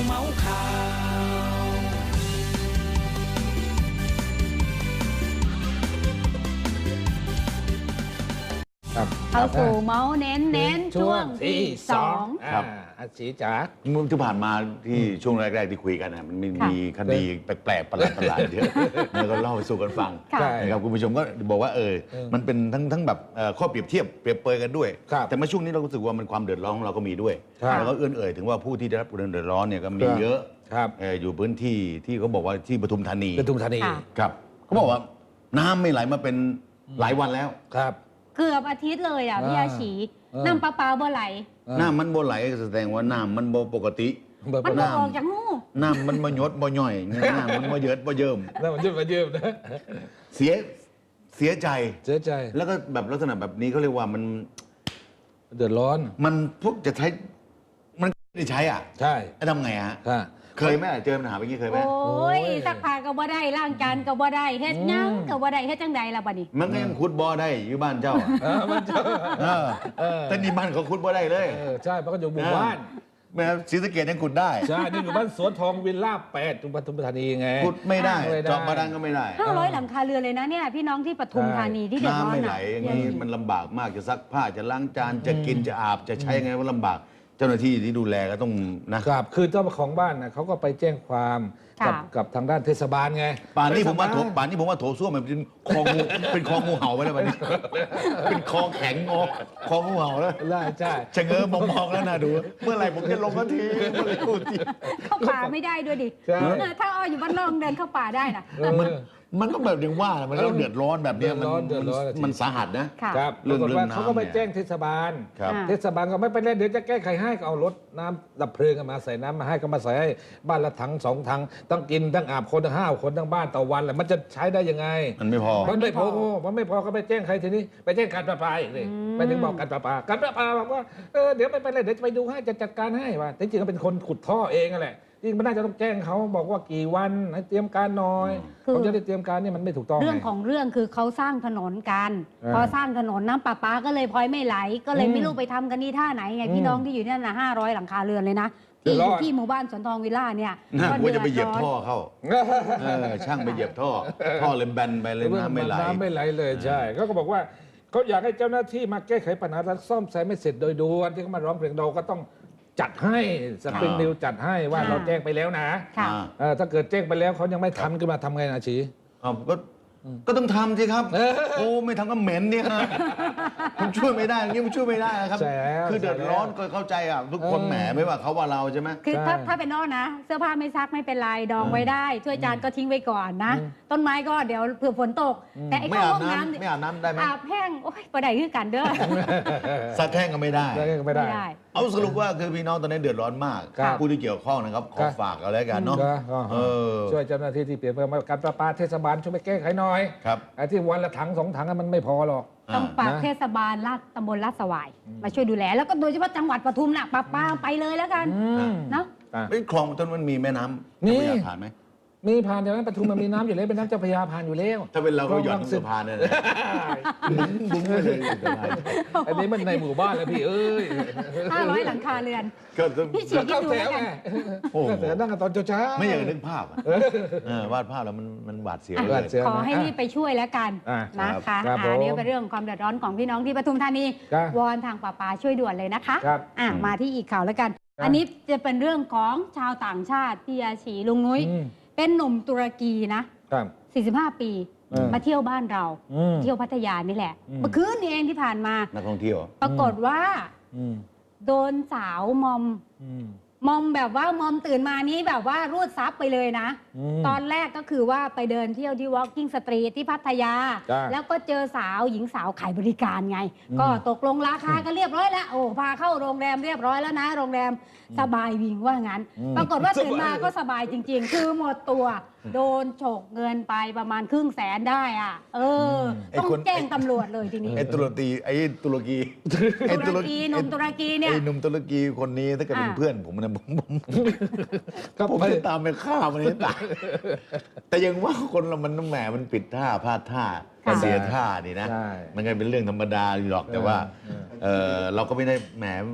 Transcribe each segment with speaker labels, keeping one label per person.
Speaker 1: เมาข่าว
Speaker 2: เข้าสู่เมาส์เน้นช่วงที่2
Speaker 3: ครับ
Speaker 4: อาชีจ๋า
Speaker 3: เมื่อที่ผ่านมาที่ช่วงแรกๆที่คุยกันนะมันมีคดีแปลกๆประหลาดๆเยอะแล้วก็เล่าไปสู่กันฟังนะครับคุณผู้ชมก็บอกว่ามันเป็นทั้งแบบข้อเปรียบเทียบเปรียบเปรยกันด้วยแต่เมื่อช่วงนี้เรารู้สึกว่ามันความเดือดร้อนของเราก็มีด้วยแล้วก็เอื้อนเอ่ยถึงว่าผู้ที่ได้รับความเดือดร้อนเนี่ยก็มีเยอะอยู่พื้นที่ที่เขาบอกว่าที่ปทุมธานีครับเขาบอกว่าน้ำไม่ไหลมาเป็นหลายวันแล้ว
Speaker 4: ครับ
Speaker 2: เกือบอาทิตย์เลยอ่ะพี่อาชีน้ำประปาบ่ไหล
Speaker 3: น้ำมันบ่ไหลแสดงว่าน้ำมันบ่ปกติ
Speaker 2: มันบ่ออกจากหู
Speaker 3: น้ำมันบ่หยดบ่ย่อยน้ำมันบ่เยิดบ่เยิ่ม
Speaker 4: น้ำมันเยิ่มนะ
Speaker 3: เสียใจแล้วก็แบบลักษณะแบบนี้เขาเรียกว่ามัน
Speaker 4: เดือดร้อน
Speaker 3: มันพวกจะใช้มันไม่ใช้อ่ะ
Speaker 4: ใช่
Speaker 3: ทำไงฮะเคยไหมเจอปัญหาแบบนี้เคยไหม
Speaker 2: โอ้ยซักผ้าก็บ่ได้ล้างจานก็บ่ได้เฮ็ดยังก็บ่ได้เฮ็ดจังใดล่ะบัดนี้
Speaker 3: มันก็ยังขุดบ่อได้อยู่บ้านเจ้า
Speaker 4: บ้านเจ้า
Speaker 3: แต่นี่บ้านเขาขุดบ่ได้เลย
Speaker 4: ใช่เพราะเขาอยู่หมู่บ้าน
Speaker 3: แม่ศรีสะเกษยังขุดได้
Speaker 4: ใช่นี่อยู่บ้านสวนทองวิลล่า8ปทุมธานีไง
Speaker 3: ขุดไม่ได้เจาะบาดาลก็ไม่ได้
Speaker 2: 500หลังคาเรือนเลยนะเนี่ยพี่น้องที่ปทุมธานีที่เดือดร้อน
Speaker 3: น้ำไม่ไหลอย่างนี้มันลำบากมากจะซักผ้าจะล้างจานจะกินจะอาบจะใช้ไงก็ลำบากเจ้าหน้าที่ที่ดูแลก็ต้อง
Speaker 4: นะครับคือเจ้าของบ้านนะเขาก็ไปแจ้งความกับทางด้านเทศบาลไง
Speaker 3: ป่านนี้ผมว่าโถส้วมมันเป็นคลองงูเห่าไปแล้ววันนี้เป็นคลองแข็งคลองงูเห่าแล้ว
Speaker 4: ใช่
Speaker 3: ชะเง้อมองแล้วนะดูเมื่อไหร่ผมจะลงกันที
Speaker 2: เข้าป่าไม่ได้ด้วยดิถ้าอ้ออยู่บ้านนอกเดินเข้าป่าได้นะ
Speaker 3: มันก็แบบอย่างว่ามันก็เดือดร้อนแบบนี้มันสาหัส
Speaker 4: นะครับเรื่องน้ำเขาก็ไปแจ้งเทศบาลเทศบาลก็ไม่เป็นไรเดี๋ยวจะแก้ไขให้ก็เอารถน้ำดับเพลิงมาใส่น้ำมาให้ก็มาใส่ให้บ้านละถัง2 ถังต้องกินทั้งอาบคนทั้ง5 คนทั้งบ้านต่อวันแหละมันจะใช้ได้ยังไง
Speaker 3: มันไม่พอ
Speaker 4: มันไม่พอก็ไปแจ้งใครทีนี้ไปแจ้งการประปาอีกเลยไปถึงบอกการประปาบอกว่าเดี๋ยวไม่เป็นไรเดี๋ยวจะไปดูให้จะจัดการให้ว่าจริงๆก็เป็นคนขุดท่อเองแหละจริงมันน่าจะต้องแจ้งเขาบอกว่ากี่วันให้เตรียมการหน่อยผมจะได้เตรียมการนี่มันไม่ถูกต้อง
Speaker 2: เรื่องของเรื่องคือเขาสร้างถนนกันพอสร้างถนนน้ำประปาก็เลยพลอยไม่ไหลก็เลยไม่รู้ไปทำกันนี่ท่าไหนไงพี่น้องที่อยู่นั่นนะ500หลังคาเรือนเลยนะที่หมู่บ้านสวนทองวิลล่าเนี่ย
Speaker 3: ก็จะไปเหยียบท่อเข้าช่างไปเหยียบท่อเลยแบนไปเลยน้ำไม่
Speaker 4: ไหลเลยใช่ก็บอกว่าเขาอยากให้เจ้าหน้าที่มาแก้ไขปัญหาและซ่อมแซมไม่เสร็จโดยด่วนที่เขามาร้องเพลงเราก็ต้องจัดให้สปริงนิวจัดให้ว่าเราแจ้งไปแล้วนะถ้าเกิดแจ้งไปแล้วเขายังไม่ทำขึ้นมาทำไงนะชี
Speaker 3: ก็ต้องทำสิครับโอ้ไม่ทำก็เหม็นเนี่ยผมช่วยไม่ได้นี่ผมช่วยไม่ได้ครับคือเดือดร้อนก็เข้าใจอ่ะทุกคนแหมไม่ว่าเขาว่าเราใช่ไหม
Speaker 2: คือถ้าเป็นนอกนะเสื้อผ้าไม่ซักไม่เป็นไรดองไว้ได้ถ้วยจานก็ทิ้งไว้ก่อนนะต้นไม้ก็เดี๋ยวเผื่อฝนตกแต่ไอ้ห้องน้ำ
Speaker 3: ไม่อาบน้ำได้ไหม
Speaker 2: อาบแห้งโอ้ยประเดี๋ยวคือกันเด้อ
Speaker 3: ซักแห้งก็ไม่ได้เอาสรุปว่าคือพี่น้องตอนนี้เดือดร้อนมากผู้ที่เกี่ยวข้องนะครับขอฝากเอาแล้วกันเนาะ
Speaker 4: ช่วยเจ้าหน้าที่ที่เปลี่ยนมาการประปาเทศบาลช่วยไปแก้ไขหน่อยไอ้ที่วันละถัง2 ถังมันไม่พอหรอก
Speaker 2: ต้องฝากเทศบาลตำบลลาดสวายมาช่วยดูแลแล้วก็โดยเฉพาะจังหวัดปทุมน่ะปาไปเลยแล้วกันเนาะ
Speaker 3: คลองต้นมันมีแม่น้ำมีผ่านไหม
Speaker 4: มีผ่านจากนั้นปทุมมันมีน้ำอยู่แล้วเป็นน้ำเจ้าพระยาผ่านอยู่แล้ว
Speaker 3: ถ้าเป็นเราก็หย่อนสะพานเนี่ยบุ้งไปเลย
Speaker 4: อันนี้มันในหมู่บ้านแล้วพี่
Speaker 2: 500หลังคาเรือนพี่ฉีดดูแล้วกัน
Speaker 3: โอ้
Speaker 4: แต่นั่งกันตอนเช้า
Speaker 3: ไม่อยากนึกภาพวาดภาพแล้วมันหวาดเสียว
Speaker 2: ขอให้รีบไปช่วยแล้วกันนะคะอันนี้เป็นเรื่องความเดือดร้อนของพี่น้องที่ปทุมธานีวอนทางประปาช่วยด่วนเลยนะคะมาที่อีกข่าวแล้วกันอันนี้จะเป็นเรื่องของชาวต่างชาติพี่อาชีลุงนุ้ยเป็นหนุ่มตุรกีนะ45 ปีมาเที่ยวบ้านเราเที่ยวพัทยานี่แหละเมื่อคืนนี้เองที่ผ่านมา
Speaker 3: นักท่องเที่ยว
Speaker 2: ปรากฏว่าโดนสาวมอมแบบว่ามอมตื่นมานี้แบบว่ารูดซับไปเลยนะตอนแรกก็คือว่าไปเดินเที่ยวที่ Walking Street ที่พัทยาแล้วก็เจอหญิงสาวขายบริการไงก็ตกลงราคากันเรียบร้อยแล้วโอ้พาเข้าโรงแรมเรียบร้อยแล้วนะโรงแรมสบายวิงว่างั้นปรากฏว่าตื่นมาก็สบายจริงๆคือหมดตัวโดนฉกเงินไปประมาณ500,000ได้อ่ะต้องแจ้งตำรวจเลยทีนี้
Speaker 3: ตุรกี
Speaker 2: หนุ่มตุรกีเนี่ย
Speaker 3: หนุ่มตุรกีคนนี้ถ้าเกิดเป็นเพื่อนผมนะผมจะตามไปฆ่ามันให้ตายแต่ยังว่าคนเรามันแหมมันปิดท่าพลาดท่าเสียท่านี่นะมันก็เป็นเรื่องธรรมดาหรอกแต่ว่าเราก็ไม่ได้แหม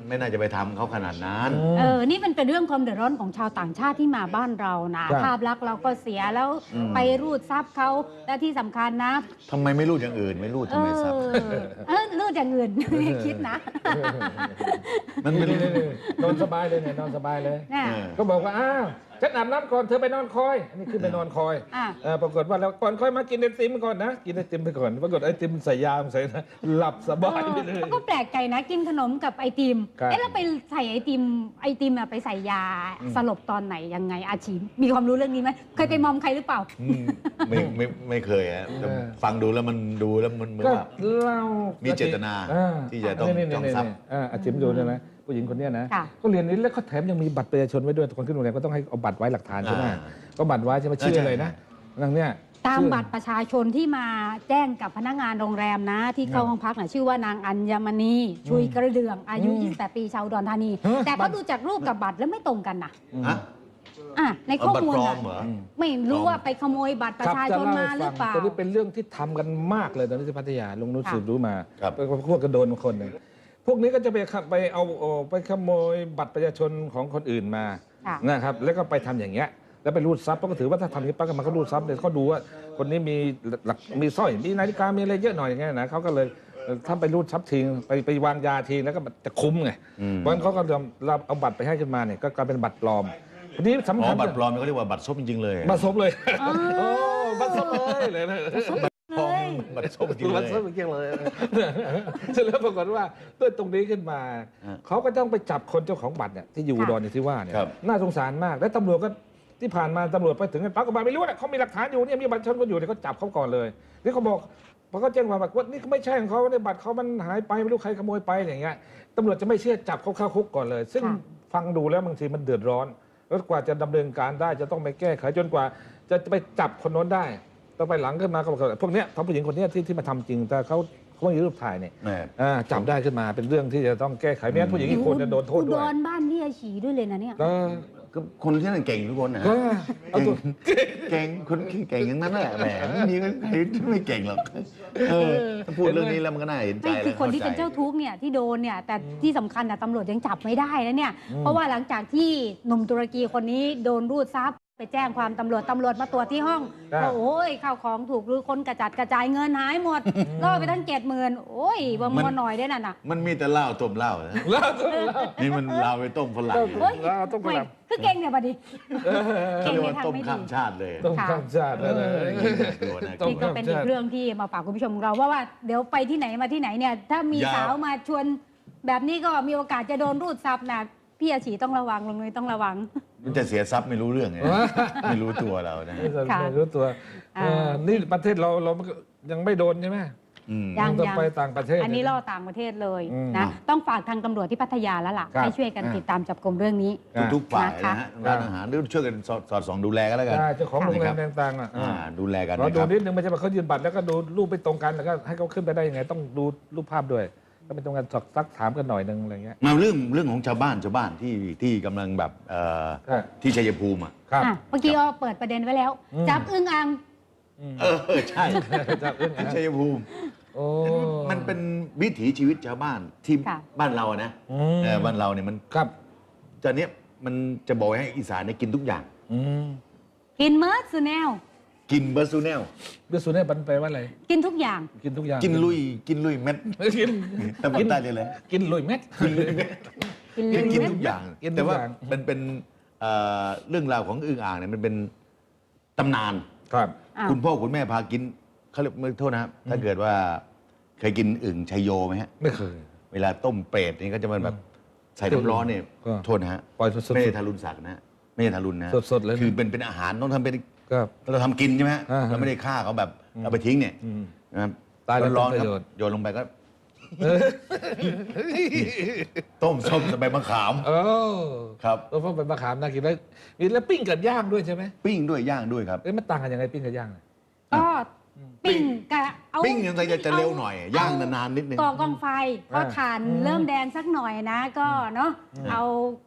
Speaker 3: ไม่น่าจะไปทำเขาขนาดนั้น
Speaker 2: นี่มันเป็นเรื่องความเดือดร้อนของชาวต่างชาติที่มาบ้านเรานะภาพลักษณ์เราก็เสียแล้วไปรูดทรัพย์เขาและที่สำคัญนะ
Speaker 3: ทำไมไม่รูดอย่างอื่นไม่รูดทำไมทรัพย์
Speaker 2: รูดอย่างอื่นคิดนะ
Speaker 4: มันไม่นอนสบายเลยเนี่ยนอนสบายเลยก็บอกว่าฉันอาบน้ำก่อนเธอไปนอนคอยอันนี้คือไปนอนคอยปรากฏว่าแล้วก่อนคอยมากินไอติมก่อนนะกินไอติมไปก่อนปรากฏไอติมใส่ยาใส่นะหลับสบายไปเลย
Speaker 2: ก็แปลกใจนะกินขนมกับไอติมแล้วไปใส่ไอติมไปใส่ยาสลบตอนไหนยังไงอาชีพมีความรู้เรื่องนี้ไหมเคยไปมอมใครหรือเปล่า
Speaker 3: ไม่เคยฮะฟังดูแล้วมันเหมือนว่ามีเจตนาที่จะต้องจองทรัพย์
Speaker 4: อาชีพดูนะผู้หญิงคนนี้นะก็เรียนนี้แล้วเขาแถมยังมีบัตรประชาชนไว้ด้วยคนขึ้นโรงแรมก็ต้องให้เอาบัตรไว้หลักฐานใช่ไหมก็บัตรไว้ใช่ไหมชื่ออะไรนะนั่งเนี่ย
Speaker 2: ตามบัตรประชาชนที่มาแจ้งกับพนักงานโรงแรมนะที่เข้าห้องพักชื่อว่านางอัญมณีชุยกระเดื่องอายุ28 ปีชาวอุดรธานีแต่เขาดูจากรูปกับบัตรแล้วไม่ตรงกันนะในข้อมูลไม่รู้ว่าไปขโมยบัตรประชาชนมาหรือเปล่า
Speaker 4: ตอนนี้เป็นเรื่องที่ทำกันมากเลยตอนนี้ที่พัทยาลงนู้นสืบรู้มาพวกกระโดนคนหนึ่งพวกนี้ก็จะไปขโมยบัตรประชาชนของคนอื่นมานะครับแล้วก็ไปทำอย่างเงี้ยแล้วไปรูดทรัพย์ก็ถือว่าถ้าทำอย่างนี้ปั๊บมันก็รูดทรัพย์เลยเขาดูว่าคนนี้มีสร้อยมีนาฬิกามีอะไรเยอะหน่อยอย่างเงี้ยนะเขาก็เลยถ้าไปรูดทรัพย์ทิ้งไปวางยาทิ้งแล้วก็จะคุ้มไงเพราะฉะนั้นเขาก็เอาบัตรไปให้ขึ้นมาเนี่ยก็กลายเป็นบัตรปลอมทีนี้สำคัญ
Speaker 3: บัตรปลอมเขาเรียกว่าบัตรซบจริงๆเลย
Speaker 4: บัตรซบเลยบัตรซบเลยนะ
Speaker 3: บัตรส้มจริงเลย
Speaker 4: บัตรส้มจริงเลยเสร็จแล้วปรากฏว่าด้วยตรงนี้ขึ้นมาเขาก็ต้องไปจับคนเจ้าของบัตรเนี่ยที่อยู่อุดรที่ว่าเนี่ยน่าสงสารมากและตำรวจก็ที่ผ่านมาตำรวจไปถึงปั๊บก็ไม่รู้นะเขามีหลักฐานอยู่เนี่ยมีบัตรประชาชนก็อยู่เนี่ยเขาจับเขาก่อนเลยนี่เขาบอกพอเขาแจ้งความว่านี่ไม่ใช่ของเขาในบัตรเขามันหายไปไม่รู้ใครขโมยไปอย่างเงี้ยตำรวจจะไม่เชื่อจับเขาเข้าคุกก่อนเลยซึ่งฟังดูแล้วบางทีมันเดือดร้อนแล้วกว่าจะดำเนินการได้จะต้องไปแก้ไขจนกว่าจะไปจับคนโน้นได้ต้องไปหลังขึ้นมาเขาบอกพวกนี้ผู้หญิงคนนี้ที่มาทำจริงแต่เขาไม่มีรูปถ่ายเนี่ยจับได้ขึ้นมาเป็นเรื่องที่จะต้องแก้ไขไม่งั้นผู้หญิงอีกคนจะโดนโทษด้วย
Speaker 2: โดนบ้านพี่อาชีด้วยเลยนะเนี่ย
Speaker 3: คนที่นั่นเก่งทุกคนนะเก่งคนเก่งอย่างนั้นแหละแหมไม่มีใครไม่เก่งหรอกถ้าพูดเรื่องนี้แล้วมันก็น่าเห็นใจ
Speaker 2: คือคนที่เป็นเจ้าทุกข์เนี่ยที่โดนเนี่ยแต่ที่สำคัญตำรวจยังจับไม่ได้นะเนี่ยเพราะว่าหลังจากที่หนุ่มตุรกีคนนี้โดนรูดทรัพย์ไปแจ้งความตำรวจมาตรวจที่ห้องโอ้ยข้าวของถูกหรือคนกระจัดกระจายเงินหายหมดล่อไปตั้ง70,000โอ้ยบ่มัวหน่อยได้นั่นน่ะ
Speaker 3: มันมีแต่เหล้าต้มเหล้านี่มันเหล้าไปต้มฝรั่ง
Speaker 4: เหล้าต้มฝรั่ง
Speaker 2: คือเก่งเนี่ยบัดนี้
Speaker 3: เก่งในทางไม่ดีต้มข้ามชาติเลย
Speaker 4: ต้มข้ามชาติเลย
Speaker 2: นี่ก็เป็นอีกเรื่องที่มาฝากคุณผู้ชมเราว่าเดี๋ยวไปที่ไหนมาที่ไหนเนี่ยถ้ามีสาวมาชวนแบบนี้ก็มีโอกาสจะโดนรูดทรัพย์นะพี่อาชีต้องระวังลงเลยต้องระวัง
Speaker 3: มันจะเสียทรัพย์ไม่รู้เรื่องไงไม่รู้ตัวเรานะ
Speaker 4: ไม่รู้ตัวนี่ประเทศเรายังไม่โดนใช่ไหมยังต้องไปต่างประเทศ
Speaker 2: อันนี้ล่อต่างประเทศเลยนะต้องฝากทางตำรวจที่พัทยาแล้วล่ะให้ช่วยกันติดตามจับกุมเรื่องนี้
Speaker 3: ทุกฝ่ายนะฮะร้านอาหารหรือช่วยกันสอดส่องดูแลกันแล้วกัน
Speaker 4: เจ้าของโรงแรมต่าง
Speaker 3: ๆดูแลกัน
Speaker 4: เราดูนิดนึงไม่ใช่ว่าเขายืนบัตรแล้วก็ดูรูปไปตรงกันแล้วก็ให้เขาขึ้นไปได้ยังไงต้องดูรูปภาพด้วยก็เป็นตรงกันซักถามกันหน่อยนึงอะไรเงี้ย
Speaker 3: มาเรื่องของชาวบ้านที่กำลังแบบที่ชัยภูมิ
Speaker 2: ครับเมื่อกี้ก็เปิดประเด็นไว้แล้วจับอึ่งอ่าง
Speaker 3: ใช่จับอึ่งอ่างชัยภูมิมันเป็นวิถีชีวิตชาวบ้านที่บ้านเรานะบ้านเราเนี่ยมัน
Speaker 4: ครับ
Speaker 3: ตอนนี้มันจะบอกให้อีสานเนี่ยกินทุกอย่าง
Speaker 2: กินเมิร์สแนว
Speaker 3: กินเบอร์ซูเนล
Speaker 4: มันแปลว่าอะไร
Speaker 2: กินทุกอย่าง
Speaker 4: กินทุกอย่าง
Speaker 3: กินลุยเม็ดทำได้เลย
Speaker 4: กินลุยเม็ด
Speaker 3: กินทุกอย่างแต่ว่ามันเป็นเรื่องราวของอึ่งอ่างเนี่ยมันเป็นตำนาน
Speaker 4: ครับ
Speaker 3: คุณพ่อคุณแม่พากินเขาเรียกโทษนะครับถ้าเกิดว่าเคยกินอึ่งชัยโยไหมฮะ
Speaker 4: ไม่เคย
Speaker 3: เวลาต้มเปรตนี่ก็จะมันแบบใส่น้ำร้อนเนี่ยโทษนะฮะไม่ได้ทารุณสัตว์นะไม่ได้ทารุณนะ
Speaker 4: สดๆเลย
Speaker 3: คือเป็นอาหารต้องทำเป็นเราทำกินใช่ไหมเราไม่ได้ฆ่าเขาแบบเอาไปทิ้งเนี่ยนะครับ
Speaker 4: ตาย
Speaker 3: ร้อนๆโยนลงไปก็ต้มส้มใบมะขามครับ
Speaker 4: ต้มใบมะขามน่ากินแล้วปิ้งกับย่างด้วยใช่ไหม
Speaker 3: ปิ้งด้วยย่างด้วยครับ
Speaker 4: มันต่างกันยังไงปิ้งกับย่าง
Speaker 2: ก็ปิ้งกับ
Speaker 3: ปิ้งยังไงจะเร็วหน่อยย่างนานๆนิดนึง
Speaker 2: ก่อกองไฟพอถ่านเริ่มแดงสักหน่อยนะก็เนาะเอา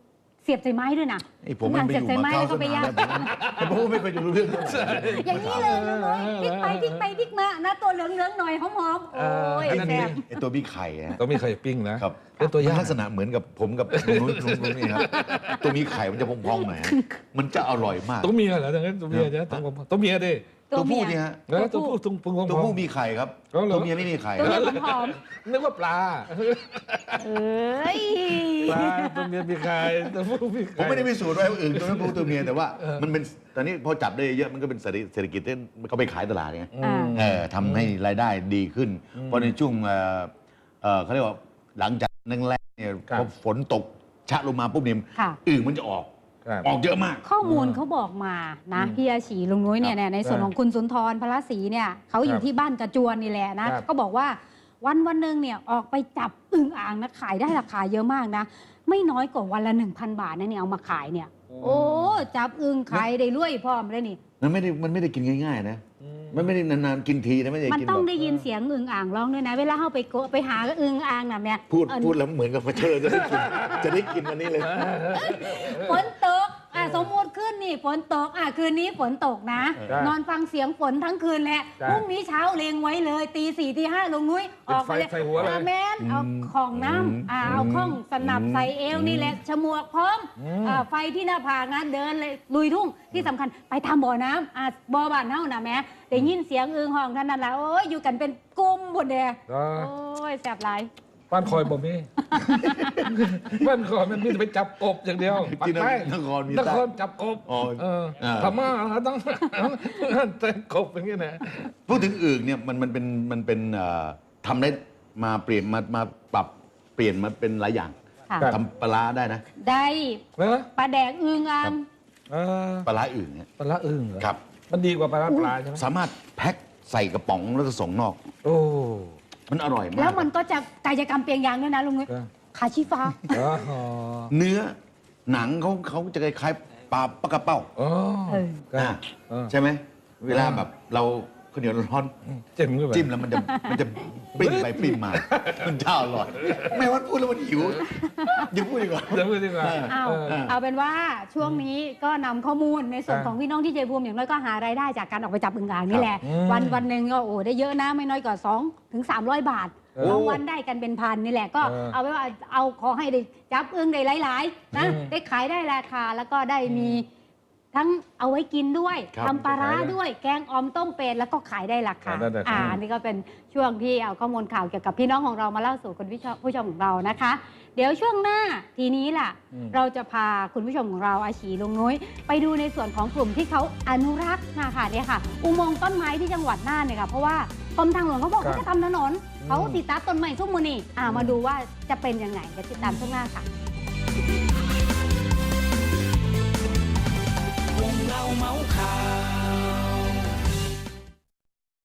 Speaker 2: เสียบใส่ไม้ด้วยนะ
Speaker 3: ไอ้ผมมันไปอยู่มาเก้าสนานแล้วแต่ผมไม่เคยจะรู้เรื่องเท่าไหร่
Speaker 2: อย่างนี้เลยลุงน้อยพลิกไปพลิกไปพลิกมานะตัวเหลืองๆหน่อยหอมๆโอ้ย
Speaker 3: ไอ้
Speaker 2: แซ่บ
Speaker 3: ไอ้ตัวบี้ไข่อะ
Speaker 4: ต้องมีไข่ปิ้งนะครับ เป็นตัว
Speaker 3: มัน
Speaker 4: ย่าง
Speaker 3: ลักษณะเหมือนกับผมกับลุงนี่ครับตัวมีไข่มันจะพองๆหน่อยฮะมันจะอร่อยมาก
Speaker 4: ตัวเมียเหรอดังนั้นตัวเมียจะตัวเมียดิ
Speaker 3: ตัวผู้นี่ฮะ
Speaker 4: แล้วตัวผู้ตรง
Speaker 3: ตัวผู้มีไข่ครับ
Speaker 4: อ๋อเหรอ
Speaker 3: ตัวเมียไม่มีไข่
Speaker 2: ตัว
Speaker 3: ครับ
Speaker 2: เมียหอม
Speaker 4: นึกว่าปลา
Speaker 2: ๆเอ้ย
Speaker 4: ปลาตัวเมียมีไข่ตัวผู้มี
Speaker 3: ผม
Speaker 4: ไข่
Speaker 3: ไม่ได้พิสูจน์ว่าอื่นตัวนั้นตัวเมียแต่ว่ามันเป็นตอนนี้พอจับได้เยอะมันก็เป็นเศรษฐกิจที่เขาไปขายตลาดไง
Speaker 2: อ่า
Speaker 3: ทำให้รายได้ดีขึ้น เพราะในช่วงเขาเรียกว่าหลังจากแรกๆเนี่ยพอฝนตกชะลงมาปุ๊บเนี่ย
Speaker 2: ค่ะ
Speaker 3: อึ่งมันจะออก
Speaker 4: ครับ
Speaker 3: ออกเยอะมาก
Speaker 2: ข้อมูลเขาบอกมานะพี่อาชีลุงนุ้ยเนี่ยในส่วนของคุณสุนทรพระศรีเนี่ยเขาอยู่ที่บ้านกระจวนนี่แหละนะก็บอกว่าวันหนึ่งเนี่ยออกไปจับอึ่งอ่างนะขายได้ราคาเยอะมากนะ ไม่น้อยกว่าวันละ 1,000 บาทนะเนี่ยเอามาขายเนี่ย โอ้จับอึ่งขายได้รวยพร้อมเลยนี่
Speaker 3: มันไม่ได้กินง่ายๆนะ มันไม่ได้นานๆกินทีนะไม่ได้
Speaker 2: มัน
Speaker 3: กิน
Speaker 2: ต้อง
Speaker 3: แบบ
Speaker 2: ได้ยินเสียงอึ่งอ่างร้องด้วยนะ เวลาเข้าไปโกะไปหาอึ่งอ่างน่ะแม่
Speaker 3: พูดแล้วเหมือนกับมาเชิญจะได้กินจะได้กินวันนี้เลย
Speaker 2: ฝนตกสมมติขึ้นนี่ฝนตกคืนนี้ฝนตกนะ นอนฟังเสียงฝนทั้งคืนแหละพรุ่งนี้เช้าเลงไว้เลยตี 4 ตี 5ลงนุ้ยออกไปเลย
Speaker 4: ใส่หัวเลย
Speaker 2: แม่นเอาของน้ำเอาข้องสนับใส่เอวนี่แหละฉมวกพร้อมไฟที่หน้าผากนะเดินเลยลุยทุ่งที่สำคัญไปทำบ่อน้ำบ่อบ้านเฮานะแม่ได้ยินเสียงอึ่งห้องท่านนั่นแหละโอ้ยอยู่กันเป็นกลุ่มหมดเด้โอ้ยแสบหลาย
Speaker 4: บ้านคอยบ่มีบ้านคอยมันมีแต่ไปจับกบอย่างเดียว
Speaker 3: ที่นครมี
Speaker 4: นครจับกบพม่าต้องแต่กบอย่างเงี้ยนะ
Speaker 3: พูดถึงอึ่งเนี่ยมันเป็นทำได้มาเปลี่ยนมาปรับเปลี่ยนมาเป็นหลายอย่าง
Speaker 2: ค่ะ
Speaker 3: ทำปลาร้าได้นะ
Speaker 2: ได้
Speaker 4: เหรอ
Speaker 2: ปลาแดกอึ่งอ่าง
Speaker 3: ปลาร้าอึ่งเนี่ย
Speaker 4: ปลาร้าอึ่งเหรอ
Speaker 3: ครับ
Speaker 4: มันดีกว่าปลาร้าปลาใช่ไหม
Speaker 3: สามารถแพ็คใส่กระป๋องแล้วก็ส่งนอก
Speaker 4: โอ้
Speaker 3: มันอร่อยมาก
Speaker 2: แล้วมันก็จะกายกรรมเปลี่ยนอย่างด้วยนะลุงนุ้ย
Speaker 4: ครับ
Speaker 2: ขาชีฟ้า
Speaker 4: อ๋อ
Speaker 3: เนื้อหนังเขาจะคล้ายๆปลากระเป้า
Speaker 4: อ๋อ
Speaker 3: อ่าใช่ไหมเวลาแบบเราข้าวเหนียวร้อน
Speaker 4: จิ้มเข้าไป
Speaker 3: จิ้มแล้วมันจะปริ้นไปปริ้นมา มันเจ้าอร่อยไม่ว่าพูดแล้วมันหิวอย่าพูดดีกว่า
Speaker 4: เดี๋ยวพูดดีกว่า
Speaker 2: เอาเป็นว่าช่วงนี้ก็นำข้อมูลในส่วนของพี่น้องที่ชัยภูมิอย่างน้อยก็หารายได้จากการออกไปจับอึ่งอ่างนี่แหละ วันหนึ่งก็ได้เยอะนะไม่น้อยกว่า2 ถึง 300 บาทบางวันได้กันเป็นพันนี่แหละก็เอาไว้ว่าเอาขอให้ได้จับอึ่งได้หลายๆนะได้ขายได้ราคาแล้วก็ได้มีทั้งเอาไว้กินด้วยทำปลาร้าด้วยแกงออมต้มเป็ดแล้วก็ขายได้ราคาอันนี้ก็เป็นช่วงที่เอาข้อมูลข่าวเกี่ยวกับพี่น้องของเรามาเล่าสู่คุณผู้ชมของเรานะคะ เดี๋ยวช่วงหน้าทีนี้ล่ะเราจะพาคุณผู้ชมของเราอาชีลุงนุ้ยไปดูในส่วนของกลุ่มที่เขาอนุรักษ์นะคะเนี่ยค่ะ อุโมงค์ต้นไม้ที่จังหวัดน่านเนี่ยค่ะเพราะว่ากรมทางหลวงเขาบอกเขาจะทำถนนเขาติดตั้งต้นไม้ทุกมือนี่มาดูว่าจะเป็นยังไงเดี๋ยวติดตามช่วงหน้าค่ะ
Speaker 1: วงเล่าเมาส์ข่าว